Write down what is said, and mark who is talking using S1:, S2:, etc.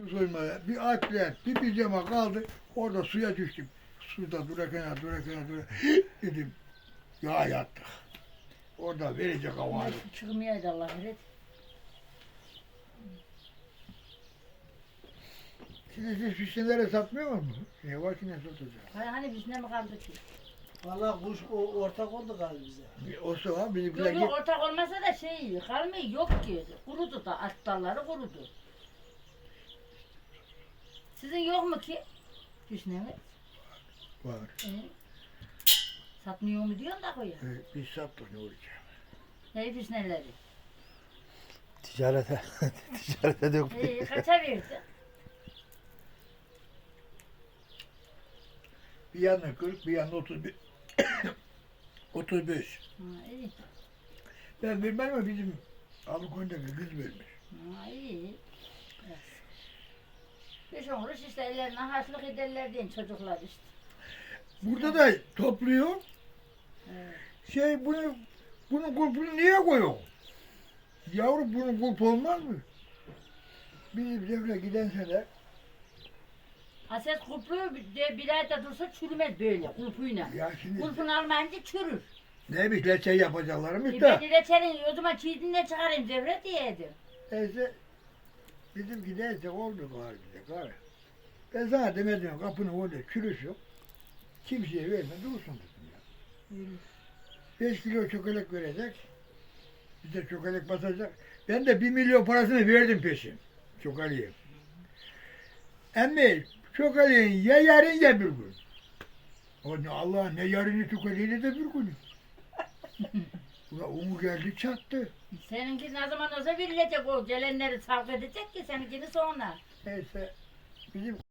S1: soymaya. Bir atlet, bir pijama kaldı. Orada suya düştüm. Suda durarken dedim. Ya yattık. Orada verecek hava.
S2: Çıkmayaydı Allah bilir.
S1: Siz fişnelere satmıyor mu? Ne var ki ne satacak?
S2: Hani biz ne mi kaldı ki?
S3: Valla kuş ortak oldu galiba bize.
S1: O zaman bizimkiler
S2: Yok yok ortak olmasa da şey kalmıyor yok ki. Kurudu da at dalları kurudu. Sizin yok mu ki? Hüsnü
S1: var.
S2: Satmıyor mu diyorsun da koyuyor.
S1: Biz sattık ne olacak?
S2: Ne hüsnüleri?
S4: Ticarete, ticarete dökmeyin.
S2: Kaça verdi?
S1: Bir yanına 40, bir yanına 31. 35.
S2: Ha iyi.
S1: Ben vermem ama bizim Alıköy'deki kız vermiş.
S2: Ha iyi. Evet. Beş on kuruş işte ellerine harçlık ederler diyen çocuklar işte.
S1: Burada da topluyor.
S2: Evet.
S1: Bunun kulpunu niye koyuyor? Yavrum bunun kulpu olmaz mı? Bizim devre giden sene
S2: Haset kulpu de bir ayda dursa çürümez böyle kulpuyla.
S1: ya şimdi
S2: Kulpunu almayınca çürür.
S1: ne bileyim şey yapacaklarmış
S2: Ben
S1: da.
S2: reçelin o zaman çiğdinle çıkarayım devre diyeydim.
S1: Neyse bizimki neyse oldu galiba bize galiba. Ben sana demedim kapının orada çürüş yok. Kimseye verme dursun dedim ya. 5 kilo çökelek verecek. Bize çökelek basacak. Ben de 1 milyon parasını verdim peşin. Çökeliğe. Emmi çökeliğin ya yarın ya bir gün. O ne Allah ne yarını çökeliğini de bir günü. Ulan onu geldi çattı.
S2: Seninki ne zaman olsa verilecek o gelenleri sarf edecek ki seninkini sonra.
S1: Neyse bizim